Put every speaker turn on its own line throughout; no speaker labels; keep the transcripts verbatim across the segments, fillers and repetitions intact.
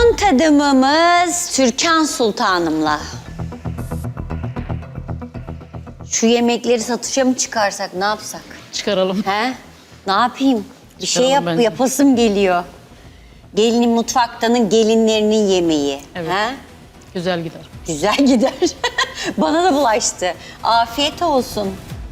Son tadımımız Türkan Sultanım'la. Şu yemekleri satışa mı çıkarsak, ne yapsak?
Çıkaralım.
He? Ne yapayım? Bir şey
Çıkaralım
yap,
bence.
yapasım geliyor. Gelinin mutfaktanın gelinlerinin yemeği.
Evet.
He?
Güzel gider.
Güzel gider. Bana da bulaştı. Afiyet olsun.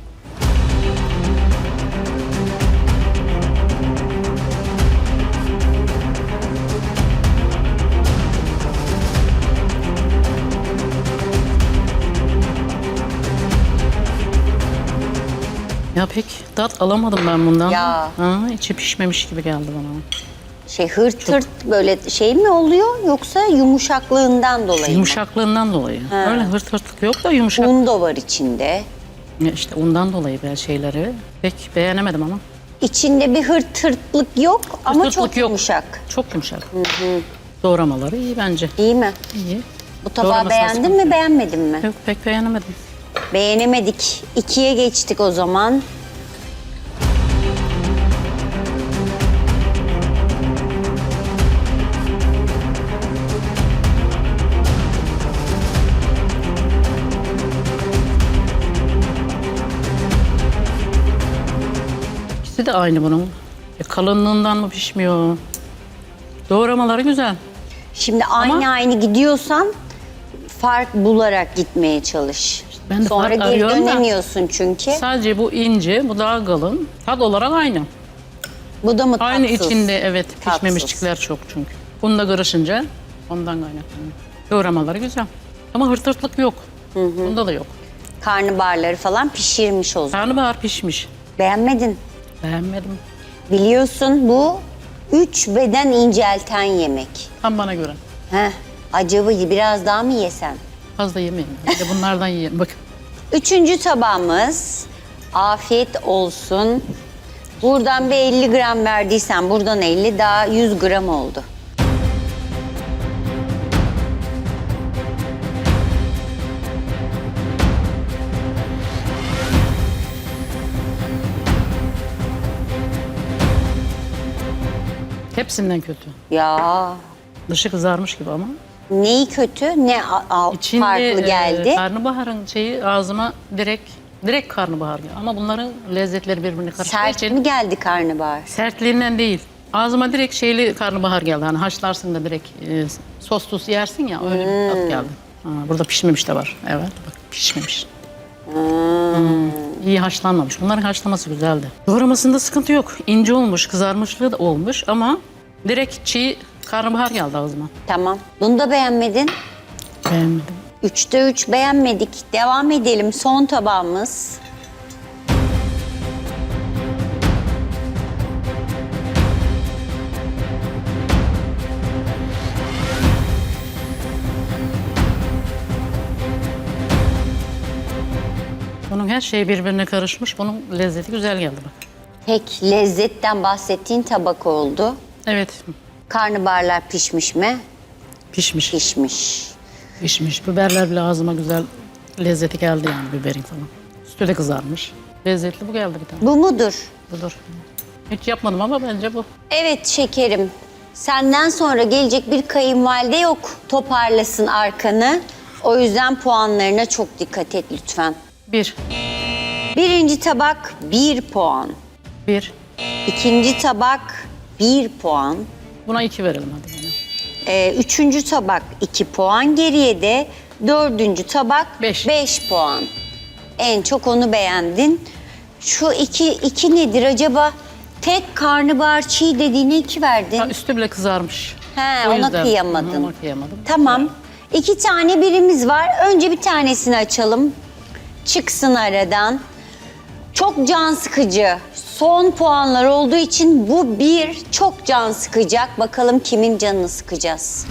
Ya pek tat alamadım ben bundan.
Ya.
Ha, içi pişmemiş gibi geldi bana.
Şey hırt hırt böyle şey mi oluyor yoksa yumuşaklığından dolayı mı?
Yumuşaklığından dolayı. Öyle hırt hırtlık yok da yumuşak.
Un da var içinde.
Ya İşte ondan dolayı ben şeyleri pek beğenemedim ama.
İçinde bir hırt hırtlık yok ama
Hırt
çok
hırtlık yok.
yumuşak.
Çok yumuşak. Doğramaları iyi bence.
İyi mi?
İyi.
Bu tabağı
Doğraması
beğendin
sıkıntı
mi
yok.
beğenmedin mi?
Yok pek beğenemedim.
Beğenemedik. İkiye geçtik o zaman.
İkisi de aynı bunun. E, kalınlığından mı pişmiyor? Doğramaları güzel.
Şimdi aynı
Ama-
aynı gidiyorsan fark bularak gitmeye çalış.
Ben de
Sonra
fark
geri
arıyorum da-
dönemiyorsun çünkü.
Sadece bu ince, bu daha kalın. Tat olarak aynı.
Bu da mı
Aynı
tatsız?
içinde evet
Tatsız.
pişmemişlikler çok çünkü. Bunda karışınca ondan kaynaklanıyor. Doğramaları güzel. Ama hırt hırtlık yok. Bunda da yok.
Karnabaharları falan pişirmiş o zaman.
Karnabahar pişmiş.
Beğenmedin.
Beğenmedim.
Biliyorsun bu üç beden incelten yemek.
Tam bana göre.
Heh, acaba biraz daha mı yesen?
Fazla yemeyin. Bir de bunlardan yiyin. Bakın.
Üçüncü tabağımız afiyet olsun. Buradan bir elli gram verdiysen buradan elli daha yüz gram oldu.
Hepsinden kötü.
Ya
Dışı kızarmış gibi ama.
neyi kötü ne a- a-
İçinde
farklı
e,
geldi?
karnabaharın şeyi ağzıma direkt direkt karnabahar geldi. Ama bunların lezzetleri birbirine karıştığı
Sert
için
mi geldi karnabahar?
sertliğinden değil. Ağzıma direkt şeyli karnabahar geldi. Hani haşlarsın da direkt e, sos tuz yersin ya öyle bir tat geldi. Ha, burada pişmemiş de var. Evet bak pişmemiş. Hmm, İyi haşlanmamış. Bunların haşlaması güzeldi. Doğramasında sıkıntı yok. İnce olmuş, kızarmışlığı da olmuş ama direkt çiğ karnabahar geldi ağzıma.
Tamam. Bunu da beğenmedin.
Beğenmedim.
Üçte üç beğenmedik. Devam edelim. Son tabağımız.
Bunun her şeyi birbirine karışmış. Bunun lezzeti güzel geldi bak.
Tek lezzetten bahsettiğin tabak oldu.
Evet
Karnabaharlar pişmiş mi?
pişmiş.
Pişmiş.
Pişmiş. Biberler bile ağzıma güzel lezzeti geldi yani biberin falan. Üstü de kızarmış. Lezzetli bu geldi bir tane.
Bu mudur?
Budur. Hiç yapmadım ama bence bu.
Evet şekerim. Senden sonra gelecek bir kayınvalide yok. Toparlasın arkanı. O yüzden puanlarına çok dikkat et lütfen.
Bir.
Birinci tabak bir puan.
Bir.
İkinci tabak bir puan.
Buna iki verelim hadi. Yani.
Ee, üçüncü tabak iki puan. Geriye de dördüncü tabak
Beş.
beş puan. En çok onu beğendin. Şu iki, iki nedir acaba? Tek karnabahar çiğ dediğine iki verdin.
Ha, üstü bile kızarmış.
He,
O
ona
yüzden.
kıyamadın.
Hı, ona kıyamadım.
Tamam. İki tane birimiz var. Önce bir tanesini açalım. Çıksın aradan. Çok can sıkıcı. Son puanlar olduğu için bu bir çok can sıkacak. Bakalım kimin canını sıkacağız.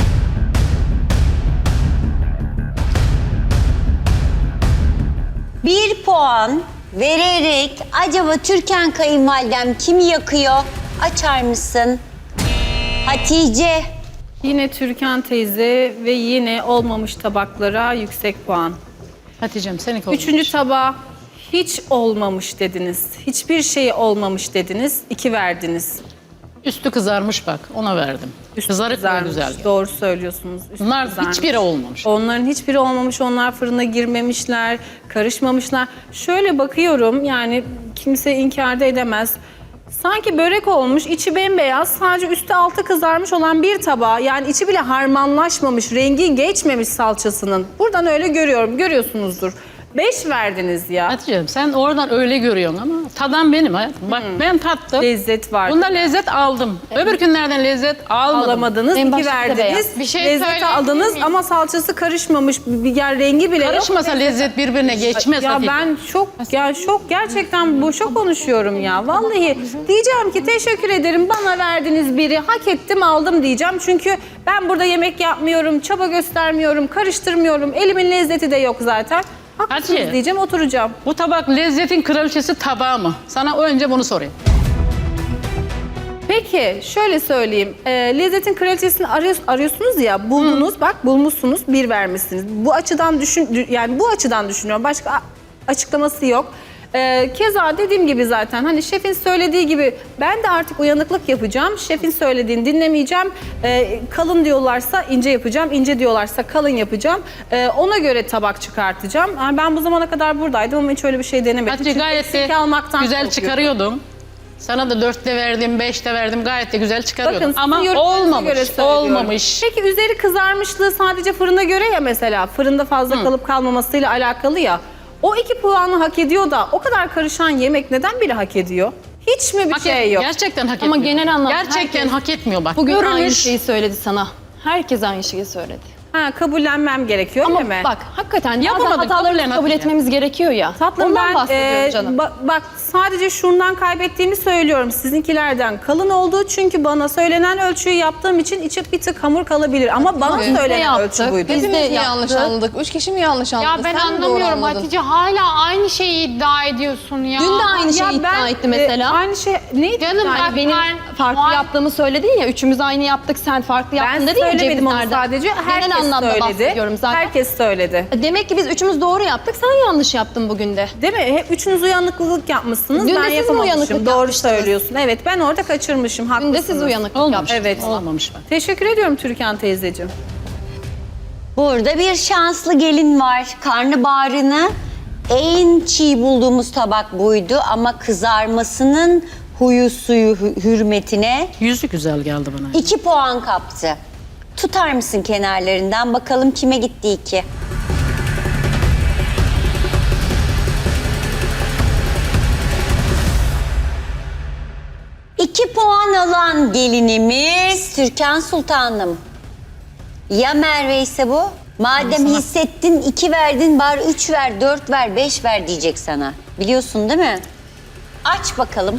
Bir puan vererek acaba Türkan kayınvalidem kimi yakıyor? Açar mısın? Hatice.
Yine Türkan teyze ve yine olmamış tabaklara yüksek puan.
Hatice'm seninki olmuş.
Üçüncü tabağa hiç olmamış dediniz. Hiçbir şey olmamış dediniz. İki verdiniz.
Üstü kızarmış bak, ona verdim.
Üstü
Kızarık ve
kızarmış.
güzel.
Doğru söylüyorsunuz. Üstü
Bunlar
kızarmış.
hiçbiri olmamış.
Onların hiçbiri olmamış. Onlar fırına girmemişler, karışmamışlar. Şöyle bakıyorum, yani kimse inkar da edemez. Sanki börek olmuş, içi bembeyaz, sadece üstü altı kızarmış olan bir tabağa, yani içi bile harmanlaşmamış, rengi geçmemiş salçasının. Buradan öyle görüyorum, görüyorsunuzdur. Beş verdiniz ya.
Hatice'm sen oradan öyle görüyorsun ama tadan benim hayatım. Bak ben tattım.
Lezzet var.
Bunda lezzet aldım. Öbür günlerden lezzet almadım.
Alamadınız,
En
iki
başta da
verdiniz.
beyaz.
Bir şey
Lezzet
söyleyebilir
aldınız
miyim?
ama salçası karışmamış, bir yer rengi bile yok.
Karışmasa lezzet birbirine geçmez
Ya
Hatice.
ben şok, ya şok, gerçekten boşa konuşuyorum ya. Vallahi diyeceğim ki teşekkür ederim, bana verdiniz biri, hak ettim aldım diyeceğim. Çünkü ben burada yemek yapmıyorum, çaba göstermiyorum, karıştırmıyorum. Elimin lezzeti de yok zaten. Haklısınız
Hatice.
diyeceğim, oturacağım.
Bu tabak lezzetin kraliçesi tabağı mı? Sana önce bunu sorayım.
Peki şöyle söyleyeyim. E, lezzetin kraliçesini arıyor, arıyorsunuz ya, buldunuz, bak bulmuşsunuz, bir vermişsiniz. Bu açıdan düşün, yani bu açıdan düşünüyorum. Başka a- açıklaması yok. E, keza dediğim gibi zaten hani şefin söylediği gibi ben de artık uyanıklık yapacağım. Şefin söylediğini dinlemeyeceğim. E, kalın diyorlarsa ince yapacağım, ince diyorlarsa kalın yapacağım. E, ona göre tabak çıkartacağım. Yani ben bu zamana kadar buradaydım ama hiç öyle bir şey denemedim.
Hatice
Çünkü
gayet de
eksik almaktan
güzel
korkuyorum.
çıkarıyordum. Sana da dörtte verdim, beşte verdim. Gayet de güzel çıkarıyordum.
Bakın,
Ama
sizin yorumlarınıza
olmamış,
göre söylüyorum.
olmamış.
Peki üzeri kızarmışlığı sadece fırına göre ya mesela. Fırında fazla kalıp kalmamasıyla alakalı ya. O iki puanı hak ediyor da o kadar karışan yemek neden biri hak ediyor? Hiç mi bir
Hak
şey
et-
yok?
Gerçekten hak
Ama
etmiyor.
genel anlamda
Gerçekten
herkes
hak etmiyor bak.
Bugün aynı
Görünüş-
şeyi söyledi sana. Herkes aynı şeyi söyledi.
Ha, kabullenmem gerekiyor
Ama
değil mi?
bak hakikaten
Yapamadın,
bazen hatalarımızı
kabullen
kabul
Hatice.
etmemiz gerekiyor ya.
Tatlım
Ondan
ben
bahsediyorum
e,
canım.
ba- bak sadece şundan kaybettiğimi söylüyorum sizinkilerden. Kalın olduğu çünkü bana söylenen ölçüyü yaptığım için içi bir tık hamur kalabilir. Ama bana
Biz de
söylenen
yaptık.
ölçü buydu.
Biz de
Hepimiz mi yanlış
yaptık.
anladık? Üç kişi mi yanlış anladı?
Ya ben
Sen mi doğru
anlamıyorum
anladın?
Hatice, hala aynı şeyi iddia ediyorsun ya.
Dün de aynı şeyi
Ya
iddia
ben,
etti
e,
mesela.
aynı şey neydi?
Canım
Yani
bak,
Benim
ben-
farklı
Muhal-
yaptığımı söyledin ya. Üçümüz aynı yaptık, sen farklı yaptın
Ben
dedin ya
söylemedim onu
cevizlerden.
sadece. Herkes
Genel anlamda
söyledi.
bahsediyorum zaten.
Herkes söyledi.
Demek ki biz üçümüz doğru yaptık, sen yanlış yaptın bugün de.
Değil mi? Hep üçünüz uyanıklılık yapmışsınız.
Dün de
ben
siz mi
yapamamışım.
uyanıklık
Doğru
yapmıştınız?
söylüyorsun. Evet, ben orada kaçırmışım.
Dün
Haklısınız.
de siz uyanıklık
Olmamış.
yaptınız.
Evet.
Olmamış bak.
Teşekkür ediyorum Türkan teyzeciğim.
Burada bir şanslı gelin var. Karnabaharını en çiğ bulduğumuz tabak buydu ama kızarmasının huyu suyu hü- hürmetine
Yüzü güzel geldi bana.
iki puan kaptı. Tutar mısın kenarlarından? Bakalım kime gitti iki? İki puan alan gelinimiz Türkan Sultanım. Ya Merve ise bu? Madem hissettin, iki verdin, bari üç ver, dört ver, beş ver diyecek sana. Biliyorsun değil mi? Aç bakalım.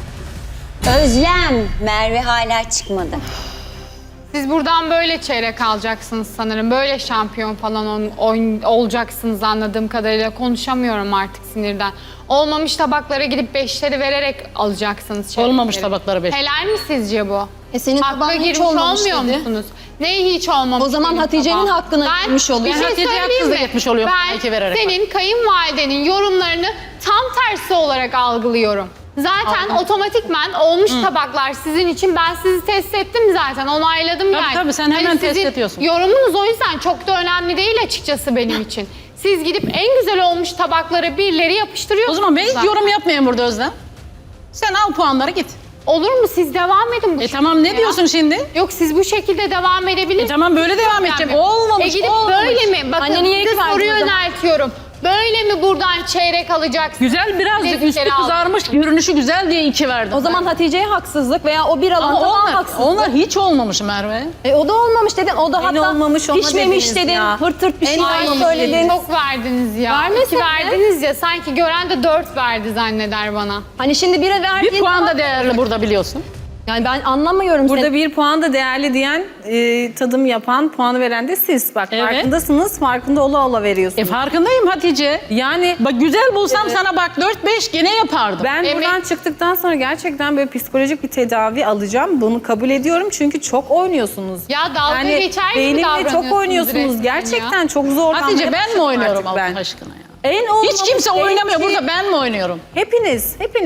Özlem, Merve hala çıkmadı.
Siz buradan böyle çeyrek alacaksınız sanırım. Böyle şampiyon falan ol- oyun- olacaksınız anladığım kadarıyla. Konuşamıyorum artık sinirden. Olmamış tabaklara gidip beşleri vererek alacaksınız çeyrekleri.
Olmamış tabaklara beş.
Helal mi sizce bu?
E senin
Hakka
tabağın hiç
girmiş
olmamış
olmuyor
dedi.
musunuz? Neyi hiç olmamış?
O zaman
benim
Hatice'nin
tabağım?
hakkına
Ben-
girmiş oluyor.
Bir şey
Hatice
söyleyeyim
haksız da
mi?
gitmiş oluyor
Ben
iki vererek.
senin kayınvalidenin yorumlarını tam tersi olarak algılıyorum. Zaten otomatikman olmuş tabaklar sizin için, ben sizi test ettim zaten, onayladım
Tabii
yani.
tabii, sen hemen
Hani
test
sizin
ediyorsun.
Yorumunuz o yüzden çok da önemli değil açıkçası benim için. Siz gidip en güzel olmuş tabaklara birleri
O
yapıştırıyorsunuz.
zaman ben hiç
zaten.
yorum yapmayayım burada Özlem. Sen al puanları git.
Olur mu? Siz devam edin bu
E
şekilde
tamam, ne
ya.
diyorsun şimdi?
Yok, siz bu şekilde devam edebilirsiniz.
E tamam, böyle devam edeceğim. Olmamış,
E gidip
olmamış.
böyle mi? Bakın
Anne niye
size
iki verdin
soruyu
o zaman?
yöneltiyorum. Böyle mi buradan çeyrek alacaksınız?
Güzel, birazcık
Lezzetleri
üstü
aldım.
kızarmış, görünüşü güzel diye iki verdim.
O zaman Hatice'ye haksızlık veya o bir alan
ama
tabağa
onlar,
haksızlık.
onlar hiç olmamış Merve.
E o da olmamış dedin. O da
En
hatta
olmamış ona
pişmemiş
dediniz
dedin.
ya.
Hırt hırt bir
En
şeyler
olmamış
söyledin.
dediniz.
Çok verdiniz ya.
Vermesene.
İki verdiniz ya, sanki gören de dört verdi zanneder bana.
Hani şimdi bire verdiğin
Bir puan
zaman-
da değerli burada, biliyorsun.
Yani ben anlamıyorum
Burada
seni.
bir puan da değerli diyen, e, tadım yapan, puanı veren de siz. Bak
Evet.
farkındasınız, farkında ola ola
E
veriyorsunuz.
farkındayım Hatice.
Yani
Bak güzel bulsam sana bak dört beş gene yapardım.
ben
Emek-
buradan çıktıktan sonra gerçekten böyle psikolojik bir tedavi alacağım. Bunu kabul ediyorum çünkü çok oynuyorsunuz.
Ya dalga geçer gibi
benimle
davranıyorsunuz
çok oynuyorsunuz.
resmen
Gerçekten
ya.
çok zorlanmaya
Hatice ben mi
başladım
oynuyorum
artık
Allah
ben.
aşkına ya?
En olmamış,
Hiç kimse
en
oynamıyor.
çiğ-
Burada ben mi oynuyorum?
Hepiniz, hepiniz.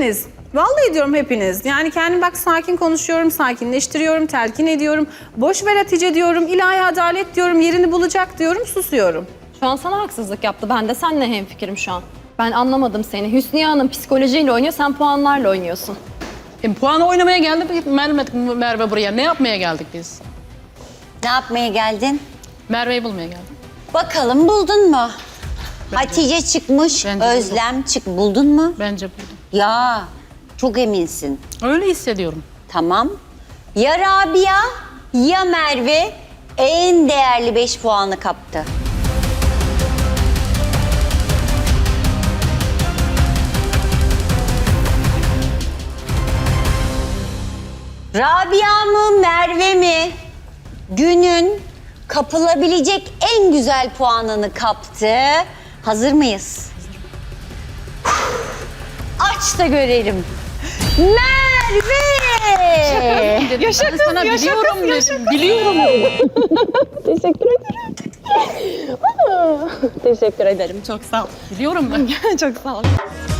Vallahi diyorum hepiniz. Yani kendim bak sakin konuşuyorum, sakinleştiriyorum, telkin ediyorum. Boş ver Hatice diyorum, ilahi adalet diyorum, yerini bulacak diyorum, susuyorum.
Şu an sana haksızlık yaptı. Ben de seninle hemfikirim şu an. Ben anlamadım seni. Hüsniye Hanım psikolojiyle oynuyor, sen puanlarla oynuyorsun.
E, puanı oynamaya geldik Merve, Merve buraya. Ne yapmaya geldik biz?
Ne yapmaya geldin?
Merve'yi bulmaya geldik.
Bakalım buldun mu? Hatice çıkmış,
Bence
Özlem çık. Buldun mu?
Bence buldum.
Ya çok eminsin.
Öyle hissediyorum.
Tamam. Ya Rabia ya Merve en değerli beş puanı kaptı. Rabia mı Merve mi? Günün kapılabilecek en güzel puanını kaptı. Hazır mıyız? Aç da görelim. Merve!
Yaşa kız, sana yaşa biliyorum kız, yaşa dedim. Biliyorum.
Teşekkür ederim. Teşekkür ederim. Çok sağ ol.
Biliyorum ben.
Çok sağ ol.